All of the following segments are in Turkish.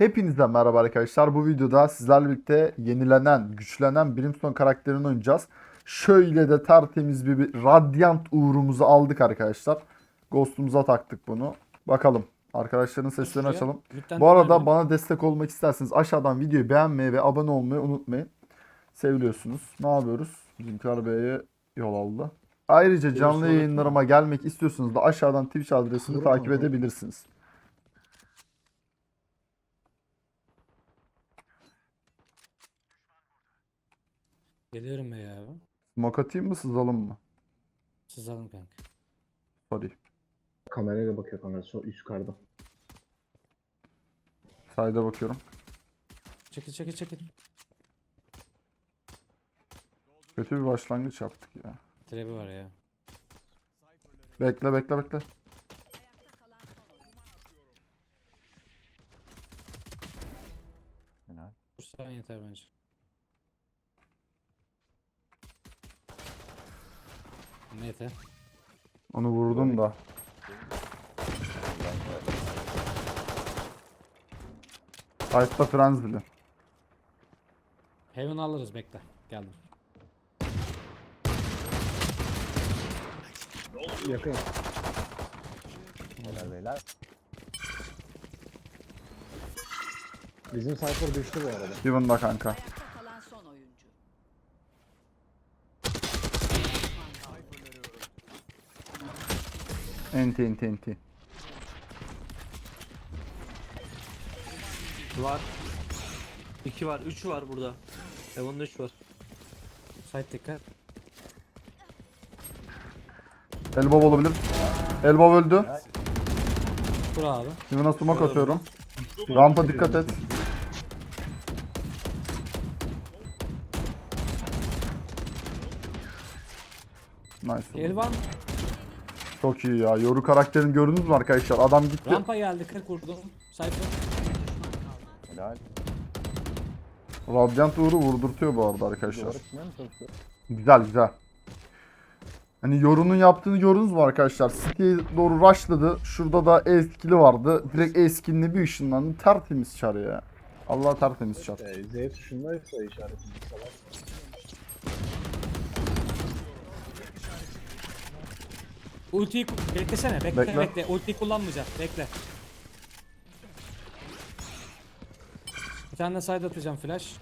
Hepinize merhaba arkadaşlar. Bu videoda sizlerle birlikte yenilenen, güçlenen Brimstone karakterini oynayacağız. Şöyle de tertemiz bir Radiant uğrumuzu aldık arkadaşlar. Ghost'umuza taktık bunu. Bakalım. Arkadaşların seslerini Şuraya. açalım. Midden Bu arada dönelim. bana destek olmak isterseniz aşağıdan videoyu beğenmeyi ve abone olmayı unutmayın. Seviliyorsunuz. Ne yapıyoruz? Bizimkiler B'ye yol aldı. Ayrıca canlı sonra- yayınlarıma gelmek istiyorsanız da aşağıdan Twitch adresini takip edebilirsiniz. Geliyorum be ya. Smoke atayım mı sızalım mı? Sızalım kanka. Sorry. Kamerayla bakıyor kamera. Üst yukarıda. Sayda bakıyorum. Çekil. Kötü bir başlangıç yaptık ya. Trebi var ya. Bekle. Vursan yeter bence. Neyse. Onu vurdum da. Sight'ta Frenzy'li. Heaven alırız bekle. Geldim. Yakın. Helal beyler. Bizim Cypher düştü bu arada. Heaven'da kanka. Ayakta kalan son oyuncu. Enti. Var. 2 var, 3 var burada. Heaven'da 3 var. Side dikkat. Elbow olabilir. Elbow öldü. Vur abi. Heaven'a smoke atıyorum. Rampa dikkat et. Nice. El var mı? Çok iyi ya. Yoru karakterini gördünüz mü arkadaşlar? Adam gitti. Rampa geldi 40 vurdum. Cypher. Helal. Radiant Uğur'u vurdurtuyor bu arada arkadaşlar. Doğru düşünüyor musun? Güzel. Hani Yoru'nun yaptığını gördünüz mü arkadaşlar? City'ye doğru rushladı. Şurada da E-skill'i vardı. Direkt E-skill'ine bir ışınlandı. Tertemiz çar ya. Allah tertemiz çar. Z tuşundaysa işaretini salar. Ultiyi beklesene. Bekle. Bekle. Ultiyi kullanmayacak. Bekle. Bir tane de side atacağım flash.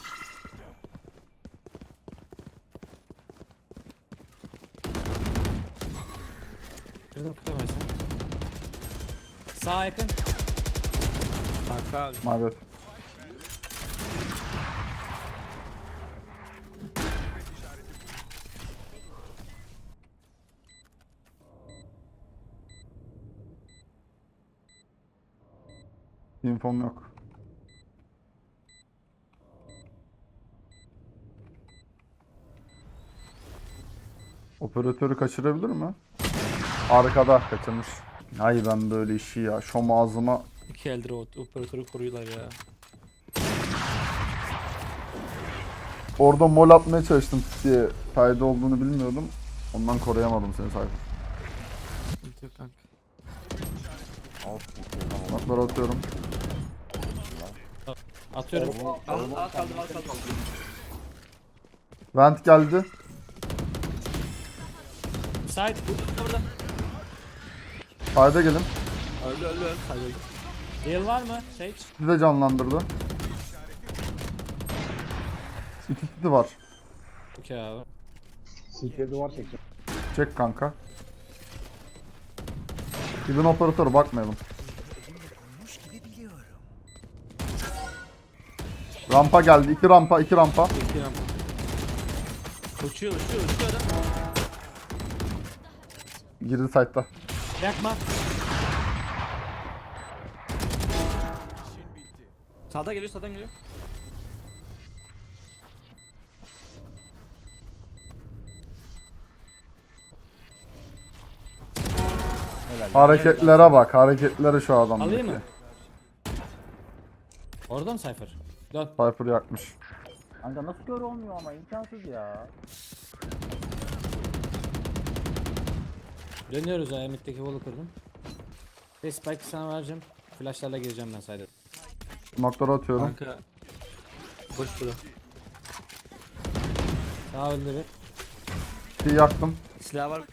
Kırdım kıramayacağım. Sağa yakın. Kanka Maalesef. İnfom yok. Operatörü kaçırabilir mi? Arkada kaçırmış. Ay ben böyle işi ya. Şom ağzıma 2 eldir o operatörü koruyorlar ya. orada mol atmaya çalıştım diye fayda olduğunu bilmiyordum. Ondan koruyamadım seni Cypher. Ulti yok kanka. Naklar atıyorum. Atıyorum. Al kaldım. Vent geldi. Side. Burada. Fayda gelin. Öldü. Hayır. Heal var mı? Sage. Sizi de canlandırdı. İkisi de var. Okey abi. CT'ye duvar çekeceğim. Çek kanka. Gidin operatörü bakmayalım. Rampa geldi. İki rampa. Bekliyorum. Uçuyor adam. Girdi site'da. Yakma. Sağdan geliyor. Hareketlere bak. Hareketlere şu adamdaki. Alayım mı? Orada mı Cypher? Dön. Cypher yakmış. Kanka nasıl kör olmuyor ama imkansız ya. Dönüyoruz ya. Mid'deki wall'u kırdım. Ve spike'ı sana vereceğim. Flashlarla gireceğim ben sayede. Smoke'ları atıyorum. Kanka. Boş bura. Sağ öldü bir. Bir yaktım. Silah var.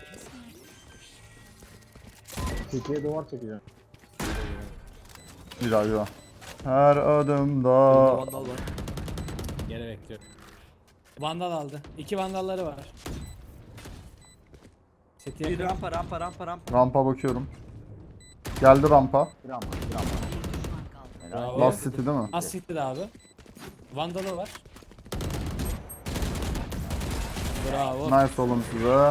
CT'ye duvar çekeceğim. Bir daha bir daha. Her adımda. Vandal var. Geri bekliyorum. Vandal aldı. 2 vandalları var. Seti Bir yakın. rampa. Rampa bakıyorum. Geldi rampa. Bir an var. Bir an var. Helal. Bravo. Last City değil mi? Az siktir abi. Vandalı var. Bravo. Nice oğlum size.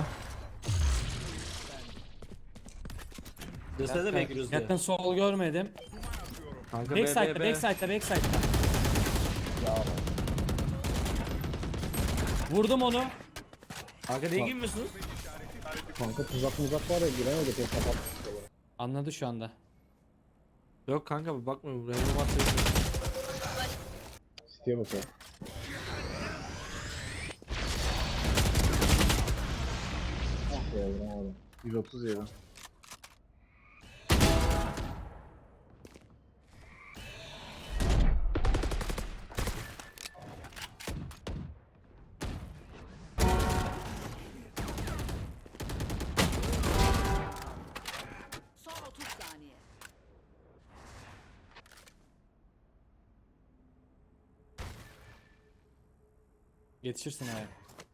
Gösteride bekliyoruz diye. Yakın sol görmedim. Kanka Backside'da, backside'da. Vurdum onu. Kanka niye girmiyorsunuz? Kanka tuzak var ya giremedik ya kapat. Anladı şu anda. Yok kanka bakmıyorum. Random atıyor. City'ye bakıyor. Ah ya vuramadım. 137. Son 30 saniye. Yetişirsin abi.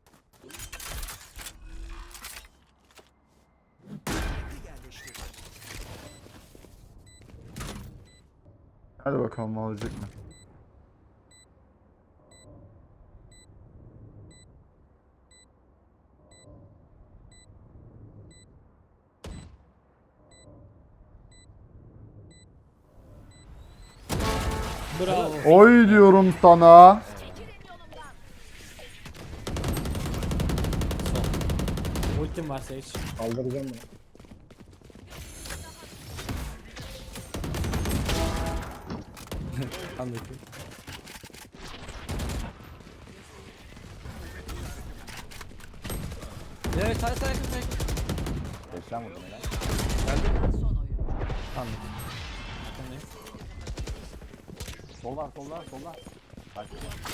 Hadi bakalım olacak mı? Bravo. Oy diyorum sana. Sol. Ultim var Sage. Kaldıracağım bunu. Anladım. Evet say yakın. 80 vurdum helal. Son oyun. Yakındayım. Sol var. Bak.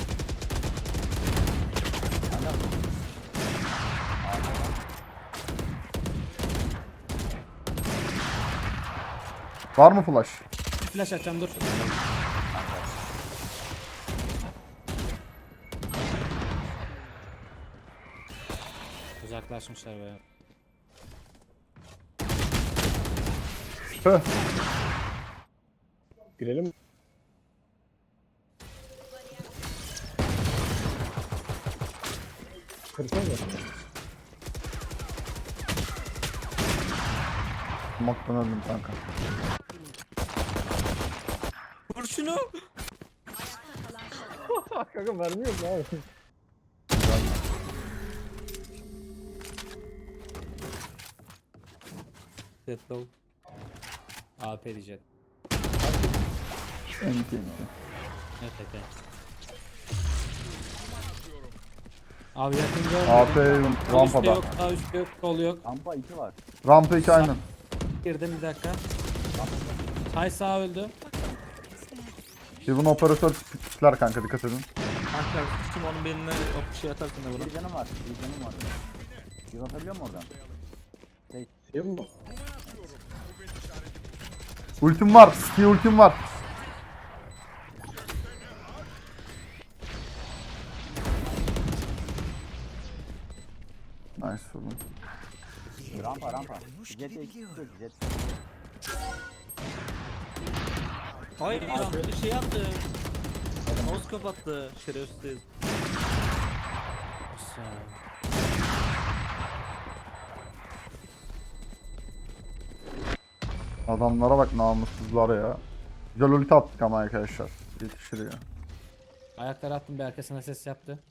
Var mı flash? Flash atacağım dur. Uzaklaşmışlar be. Heh. Girelim mi? Kırsana mı? Smoke'tan öldüm kanka. Vur şunu. Kanka mermi yok abi. Dead low. AP diyecek. Enti. Evet evet. Abi yakın AP görmedim. Üstte rampada. yok, sağ üstte yok, sol yok. Rampa 2 var. Rampa 2 aynen. Girdim bir dakika. Hay sağ öldü. Even operatör pikler kanka dikkat edin. Kanka kim onun beline o şey atarsın da buna. Bir canım var. Bir atabiliyor mu oradan? Şey mi? Ultim var. Ski ultim var. Nice oğlum. Rampa. Jet jet. Hayır ya şey yaptı. Mouse kapattı. Şerefsiz. Adamlara bak namussuzlara ya. Güzel ulti attık ama arkadaşlar. Yetişir ya. Ayakları attım bir arkasına ses yaptı.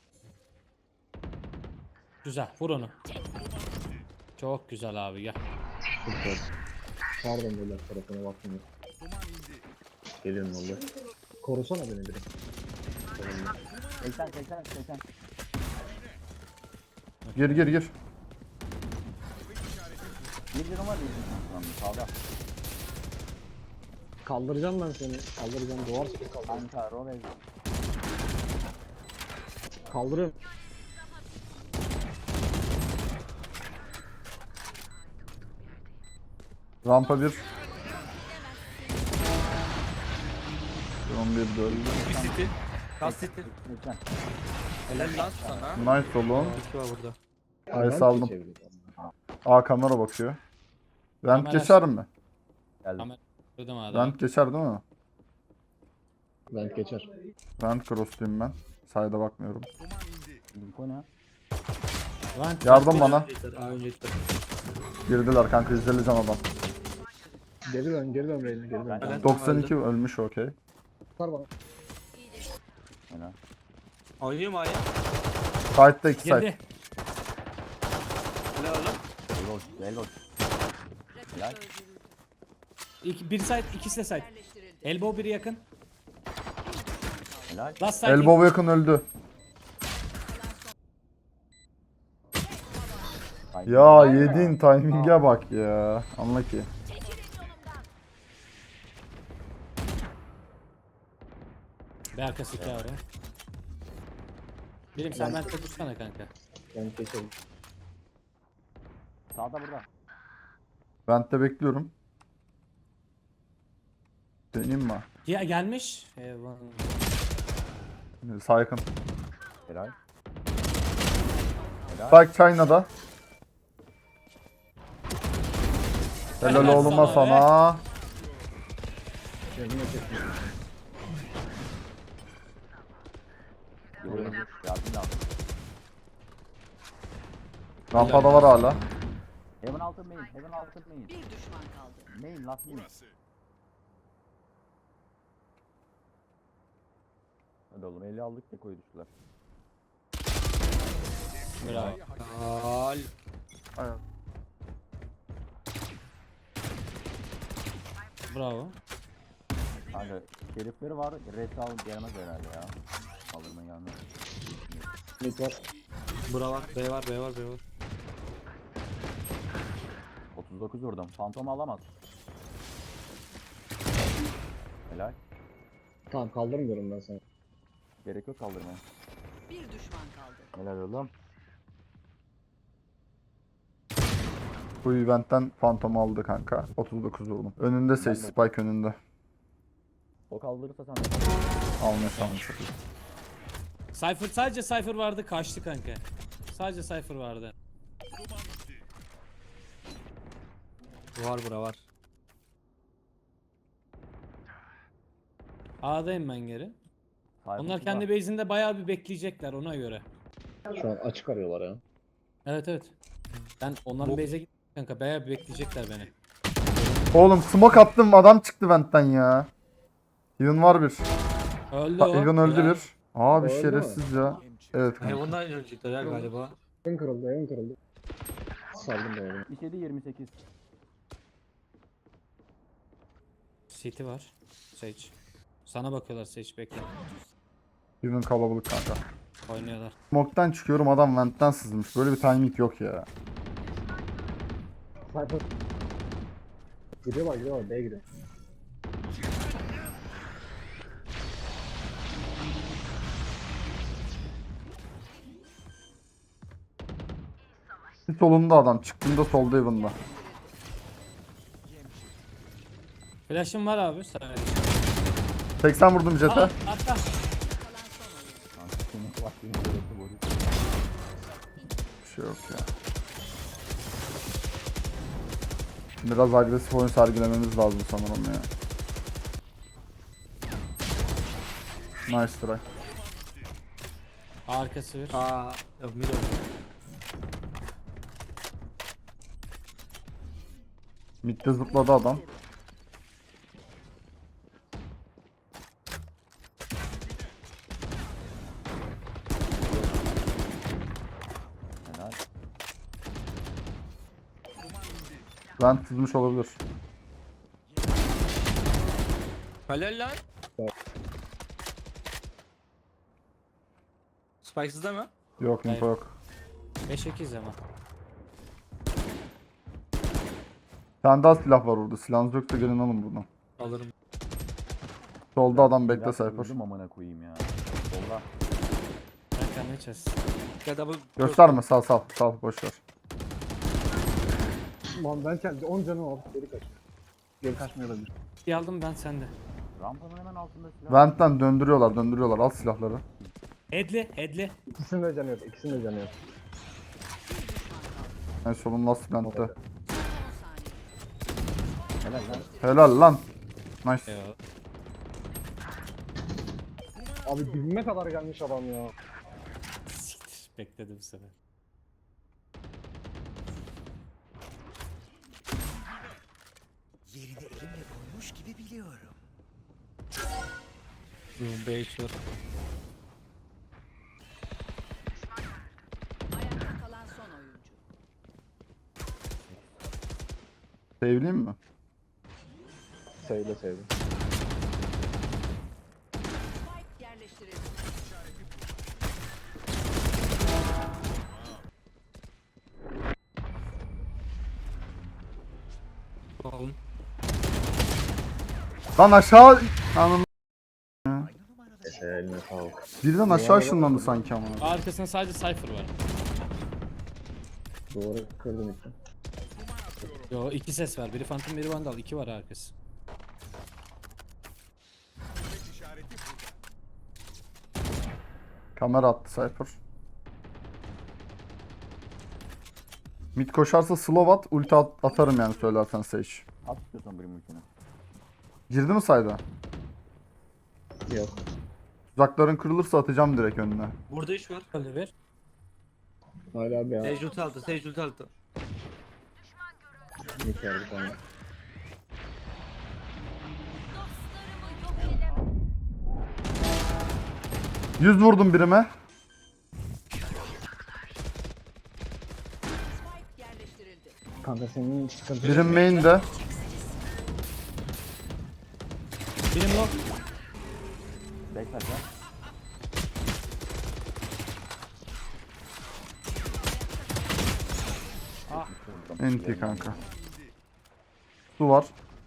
Güzel vur onu. Çok güzel abi gel. Süper. Pardon böyle tarafına bakmıyor. Geliyorum valla. Korusana beni direkt. 80. Gir. Bir canım var. Sağda. Kaldıracağım ben seni. Kaldıracağım. Duvar sıkı kaldır. Kanka Rovez. Kaldırıyorum. Rampa 1. 11 de öldü. Bir city. Last city. Lütfen. Helal lan sana. Nice oğlum. 2 var burada. Ay aldım. A kamera bakıyor. Vent Kamera- geçer mi? Geldim. Kamera duydum abi. Vent geçer değil mi? Ben geçer. Vent cross'luyum ben. Sayda bakmıyorum. Info ne? Vant- Yardım bana. Aa önce gitti. Girdiler kanka, izleyeceğim adam. Geri dön Reyna geri dön. Helal. 92 ölmüş, okey. Tutar bana. Helal. Oynayayım A'ya. Side'da 2 side. Girdi. Helal oğlum. Elbow. Elbow. Helal. Bir side, ikisi de side. Yerleştirildi. Elbow biri yakın. Helal. Last side. Elbow yakın öldü. Ya yediğin timing'e bak ya. Anla ki. Bir arkası iki abi. Birim sen ben tutsana kanka. Ben geçerim. Sağda burada. Vent'te bekliyorum. Deneyim mi? Ya gelmiş. Eyvah. Sağ yakın. Helal. Helal. Spike China'da. Helal Helal oğluma sana be. sana. Kendime çektim. Yardım lazım. Rampada var hala. Heaven altın main. Heaven altın main. Bir düşman kaldı. Main last main. Hadi oğlum 50 aldık da koyu düştüler. Bravo. Helal. Bravo. Kanka şerifleri var. Rest alın gelmez herhalde ya. Kaldırma gelmez. Mid var. Bura var. B var. B var. B var. 39 vurdum. Fantom alamaz. Helal. Tamam kaldırmıyorum ben seni. Gerek yok kaldırmaya. Bir düşman kaldı. Helal oğlum. Bu eventten Phantom aldı kanka. 39 vurdum. Önünde Sage, Spike önünde. O kaldırırsa sen Almış almış. Cypher sadece Cypher vardı kaçtı kanka. Sadece Cypher vardı. Var bura var. A'dayım ben geri. Onlar kendi base'inde bayağı bir bekleyecekler ona göre. Şu an açık arıyorlar ya. Evet evet. Ben onların base'e gittim kanka bayağı bir bekleyecekler beni. Oğlum smoke attım, adam çıktı ventten ya. Even var bir. Öldü o. Even öldü Helal. bir. Abi Öldü mü? şerefsiz ya. Evet kanka. Heaven'dan ölecekler ya galiba. Evin kırıldı evin kırıldı. Saldım ben onu. 27 28. City var. Sage. Sana bakıyorlar Sage bekle. Even kalabalık kanka. Oynuyorlar. Smoke'tan çıkıyorum, adam ventten sızmış. Böyle bir timing yok ya. Cypher. Gidiyorlar B'ye gidiyor. Bir solunda adam. Çıktığında solda Even'da. Flash'ım var abi. Sen 80 vurdum jet'e. Atla. Kanka senin vaktin gerekli boru. Bir şey yok ya. Biraz agresif oyun sergilememiz lazım sanırım ya. Nice try. Arkası bir. Aa, yok mid oldu. Mid'de zıpladı adam. Helal. Vent sızmış olabilir. Helal lan. Evet. Spikes'da mı? Yok info Hayır. yok. 5-8 ama. Bir tane daha silah var orada. Silahınız yoksa gelin alın buradan. Alırım. Solda adam bekle Biraz Cypher. öldüm amına koyayım ya. Solda. Kanka ne çöz. Ya da bu Gösterme sal sal sal boş ver. Lan ben kendi 10 canım var. Geri kaç. Geri kaçmıyor olabilir. Bir aldım ben sende. Rampanın hemen altında silah. Vent'ten döndürüyorlar al silahları. Headli. İkisinin de canı yok. İkisinin de canı yok. En solun last vent'te. Son saniye. Helal lan. Helal lan. Nice. Eyvallah. Abi dibime kadar gelmiş adam ya. Siktir. Bekledim bu sefer. Yerini elimle koymuş gibi biliyorum. Boom 5 var. Ayakta kalan son oyuncu. Sevleyeyim mi? Sevdi sevdi. Spike yerleştirildi. Alın. Lan aşağı... Anam. Eline sağlık. Birden aşağı ışınlandı sanki ama. Arkasında sadece Cypher var. Doğru kırdım işte. Yo 2 ses var. Biri Phantom biri Vandal. 2 var arkası. Kamera attı Cypher. Mid koşarsa slow at, ulti atarım yani söylersen Sage. At istiyorsan bir mülkünü. Girdi mi sayda? Yok. Tuzakların kırılırsa atacağım direkt önüne. Burada 3 var. Öyle bir. Hala bir ya. Sage ulti aldı. Sage ulti aldı. Yeter bir tane. Dostlarımı yok edemem. 100 vurdum birime. Spike yerleştirildi. Kanka senin sıkıntı. Birim main'de. Birim low. Bekle ya. Enti kanka. Su var.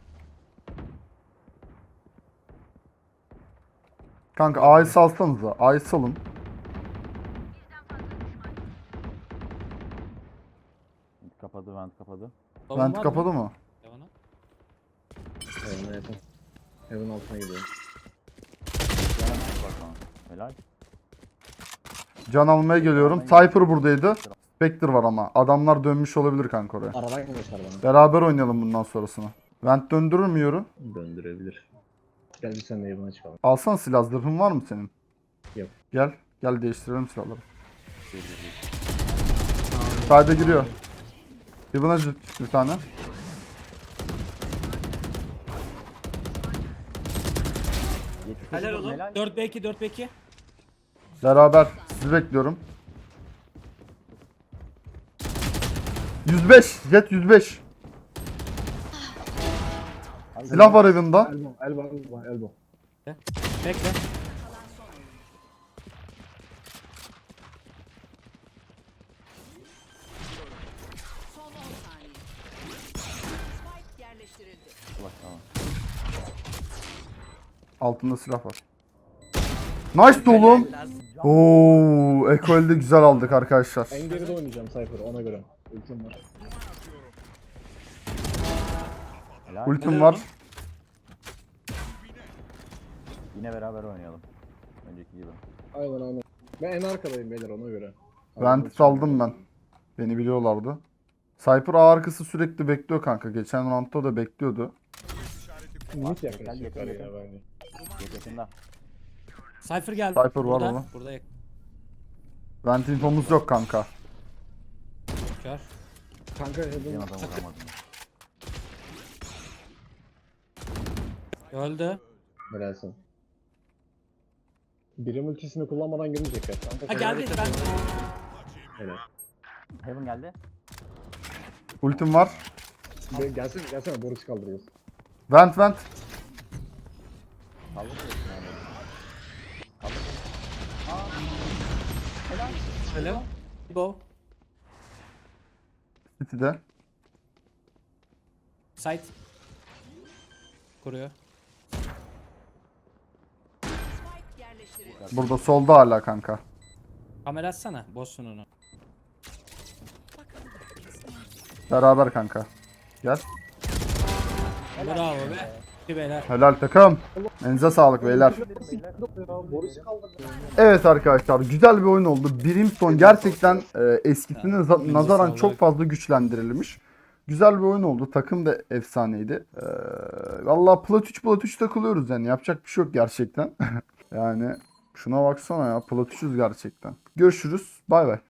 Kanka A'yı salsanıza. A'yı salın. Kapadı, vent kapadı. Love'un Vent var kapadı mı? mı? Devana. Heaven'a yakın. Heaven altına gidiyor. Hemen bak bana. Helal. Can almaya geliyorum. Cypher buradaydı. Spectre var ama. Adamlar dönmüş olabilir kanka oraya. Aradan göster bana. Beraber oynayalım bundan sonrasını. Vent döndürür mü yoru? Döndürebilir. Gel bir sen de Heaven'a çıkalım. Alsana silah zırhın var mı senin? Yok. Gel. Gel değiştirelim silahları. Sade giriyor. Heaven'a bir tane. Helal oğlum. Helal. 4B2 4B2. Beraber sizi bekliyorum. 105. Jet 105. Silah var evinde. Elbow. Bekle. Kalan son oyuncu. Son 10 saniye. Spike yerleştirildi. Bak tamam. Altında silah var. Nice oğlum. Oo, ekolde güzel aldık arkadaşlar. En geride oynayacağım Cypher ona göre. Ultim var. Helal. Ultim var. Yine beraber oynayalım. Önceki gibi. Aynen. Ben en arkadayım beyler ona göre. Vent aldım ben. Beni biliyorlardı. Cypher A arkası sürekli bekliyor kanka. Geçen roundda da bekliyordu. Mid Gel, yaklaşıklar yakın, ya yakın. bence. Geç yakında. Cypher geldi. Cypher var burada. oğlum. Burada Vent infomuz yok kanka. kör. Kanka Yan Heaven adamı vuramadım. Öldü. helalsin. Birim ultisini kullanmadan girmeyecekler. Kanka Ha geldi ben. Helal. Heaven geldi. Ultim var. Gelsene Boris kaldırıyoruz. Vent. Kaldı mı? Helal. Go. City'de. Site. Kuruyor. yerleştirildi. Burada solda hala kanka. Kamera açsana. Bozsun onu. Beraber kanka. Gel. Bravo be. İki beyler. Helal takım. Elinize sağlık beyler. Boris kaldı. Evet arkadaşlar güzel bir oyun oldu. Brimstone gerçekten eskisine nazaran sağlık. çok fazla güçlendirilmiş. Güzel bir oyun oldu. Takım da efsaneydi. Vallahi plat 3 takılıyoruz yani. Yapacak bir şey yok gerçekten. Yani şuna baksana ya. Plat 3'üz gerçekten. Görüşürüz. Bay bay.